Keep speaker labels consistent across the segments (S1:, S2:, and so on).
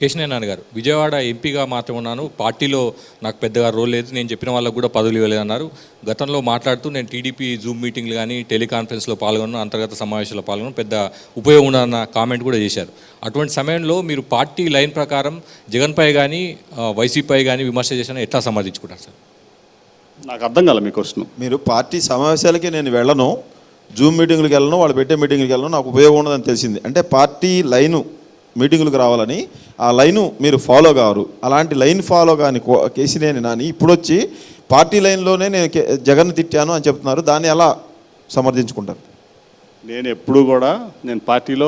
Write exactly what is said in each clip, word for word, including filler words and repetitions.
S1: కేశినేని నాన్న గారు విజయవాడ ఎంపీగా మాత్రం ఉన్నాను, పార్టీలో నాకు పెద్దగా రోల్ లేదు, నేను చెప్పిన వాళ్ళకు కూడా పదవులు ఇవ్వలేదన్నారు. గతంలో మాట్లాడుతూ నేను టీడీపీ జూమ్ మీటింగ్లు కానీ టెలికాన్ఫరెన్స్లో పాల్గొన్న, అంతర్గత సమావేశాల్లో పాల్గొన్న పెద్ద ఉపయోగం ఉండదన్న కామెంట్ కూడా చేశారు. అటువంటి సమయంలో మీరు పార్టీ లైన్ ప్రకారం జగన్పై కానీ వైసీపీపై కానీ విమర్శ చేసిన ఎట్లా సమర్థించుకుంటారు సార్?
S2: నాకు అర్థం కాలే మీ క్వశ్చన్.
S3: మీరు పార్టీ సమావేశాలకి నేను వెళ్ళను, జూమ్ మీటింగ్లకు వెళ్ళను, వాళ్ళు పెట్టే మీటింగ్లకు వెళ్ళను, నాకు ఉపయోగం ఉండదని తెలిసింది. అంటే పార్టీ లైను మీటింగులకు రావాలని ఆ లైను మీరు ఫాలో కావరు. అలాంటి లైన్ ఫాలో కాని కేశినేని నాని ఇప్పుడు వచ్చి పార్టీ లైన్లోనే నేను జగన్ తిట్టాను అని చెప్తున్నారు. దాన్ని ఎలా సమర్థించుకుంటారు?
S2: నేను ఎప్పుడు కూడా నేను పార్టీలో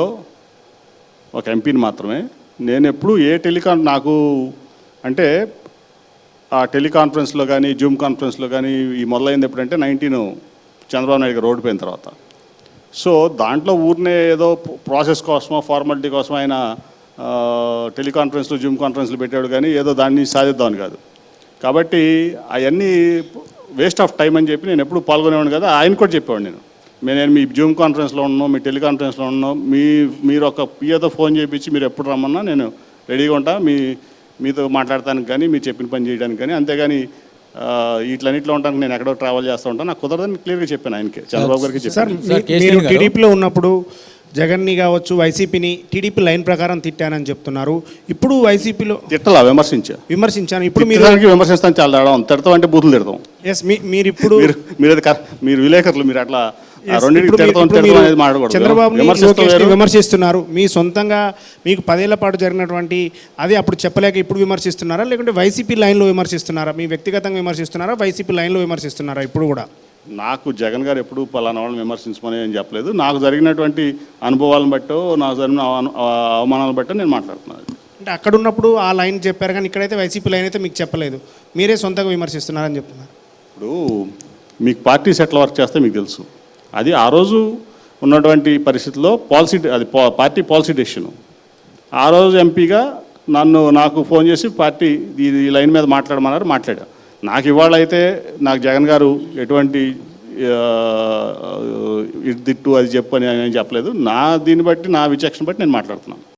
S2: ఒక ఎంపీని మాత్రమే. నేను ఎప్పుడు ఏ టెలికాన్ నాకు అంటే ఆ టెలికాన్ఫరెన్స్లో కానీ జూమ్ కాన్ఫరెన్స్లో కానీ ఈ మొదలైంది ఎప్పుడంటే నైన్టీన్ చంద్రబాబు నాయుడు గారు ఓడిపోయిన తర్వాత. సో దాంట్లో ఊరినే ఏదో ప్రాసెస్ కోసమో ఫార్మాలిటీ కోసం ఆయన టెలికాన్ఫరెన్స్లు జూమ్ కాన్ఫరెన్స్లు పెట్టాడు కానీ ఏదో దాన్ని సాధిద్దామని కాదు. కాబట్టి అవన్నీ వేస్ట్ ఆఫ్ టైం అని చెప్పి నేను ఎప్పుడు పాల్గొనేవాడిని కదా. ఆయన కూడా చెప్పేవాడు, నేను నేను మీ జూమ్ కాన్ఫరెన్స్లో ఉన్నాను, మీ టెలికాన్ఫరెన్స్లో ఉన్నాను, మీ మీరు ఒక పిఏతో ఫోన్ చేయించి మీరు ఎప్పుడు రమ్మన్నా నేను రెడీగా ఉంటా, మీ మీతో మాట్లాడటానికి కానీ మీరు చెప్పిన పని చేయడానికి కానీ. అంతేగాని ఇట్లన్నిట్లో ఉంటాను, నేను ఎక్కడో ట్రావెల్ చేస్తూ ఉంటాను, నాకు కుదరదని క్లియర్గా చెప్పాను ఆయనకి, చంద్రబాబు గారికి చెప్పాను.
S4: మీరు టీడీపీలో ఉన్నప్పుడు జగన్ని కావచ్చు వైసీపీని టీడీపీ లైన్ ప్రకారం తిట్టానని చెప్తున్నారు. ఇప్పుడు వైసీపీలో
S2: తిట్టలా, విమర్శించా విమర్శించాను.
S4: ఇప్పుడు మీరు
S2: విమర్శిస్తాను, చాలా తేడా. తిడతాం అంటే బూతులు తిడతాం.
S4: ఎస్ మీరు ఇప్పుడు
S2: మీరు మీరు మీరు విలేకరులు మీరు అట్లా
S4: చంద్రబాబు విమర్శిస్తున్నారు. మీ సొంతంగా మీకు పదేళ్ల పాటు జరిగినటువంటి అది అప్పుడు చెప్పలేక ఇప్పుడు విమర్శిస్తున్నారా, లేకుంటే వైసీపీ లైన్లో విమర్శిస్తున్నారా? మీ వ్యక్తిగతంగా విమర్శిస్తున్నారా, వైసీపీ లైన్లో విమర్శిస్తున్నారా? ఇప్పుడు కూడా
S2: నాకు జగన్ గారు ఎప్పుడు పలానా వాళ్ళని విమర్శించమని ఏం చెప్పలేదు. నాకు జరిగినటువంటి అనుభవాలను బట్టో నాకు జరిగిన అవమానాలను బట్టో నేను మాట్లాడుతున్నాను.
S4: అంటే అక్కడ ఉన్నప్పుడు ఆ లైన్ చెప్పారు కానీ ఇక్కడైతే వైసీపీ లైన్ అయితే మీకు చెప్పలేదు, మీరే సొంతంగా విమర్శిస్తున్నారని చెప్తున్నారు.
S2: ఇప్పుడు మీకు పార్టీస్ ఎట్లా వర్క్ చేస్తే మీకు తెలుసు. అది ఆ రోజు ఉన్నటువంటి పరిస్థితుల్లో పాలసీ, అది పార్టీ పాలసీ డెసిషను. ఆ రోజు ఎంపీగా నన్ను నాకు ఫోన్ చేసి పార్టీ ఈ లైన్ మీద మాట్లాడమన్నారు, మాట్లాడా. నాకు ఇవాళ అయితే నాకు జగన్ గారు ఎటువంటి ఇటు దిట్టు అది చెప్పు అని నేను చెప్పలేదు. నా దీన్ని బట్టి నా విచక్షణ బట్టి నేను మాట్లాడుతున్నాను.